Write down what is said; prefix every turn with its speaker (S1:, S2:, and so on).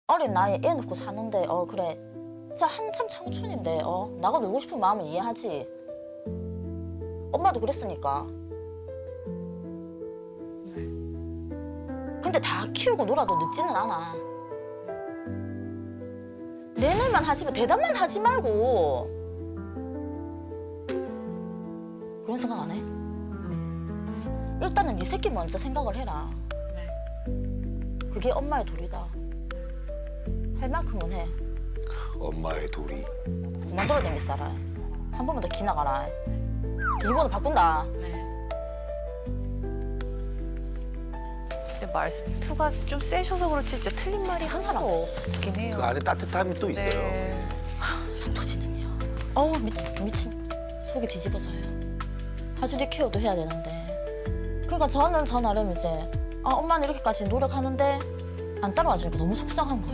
S1: 어린 나이에 애 놓고 사는데 그래 진짜 한참 청춘인데 나가 놀고 싶은 마음은 이해하지. 엄마도 그랬으니까. 근데 다 키우고 놀아도 늦지는 않아. 내내만 하지 마. 대답만 하지 말고. 그런 생각 안 해? 일단은 네 새끼 먼저 생각을 해라. 그게 엄마의 도리다. 할 만큼은 해.
S2: 엄마의 도리.
S1: 그만 돌아다닐 살아. 한 번만 더 기나가라. 비밀번호 바꾼다.
S3: 근데 말투가 좀 세셔서 그렇지 진짜 틀린 말이 한 사람 없긴 해요.
S2: 그 안에 따뜻함이 또 있어요.
S3: 네.
S1: 속 터지는요. 미친. 속이 뒤집어져요. 하주리 케어도 해야 되는데. 그러니까 저는 저 나름 이제 엄마는 이렇게까지 노력하는데 안 따라와 주니까 너무 속상한 거예요.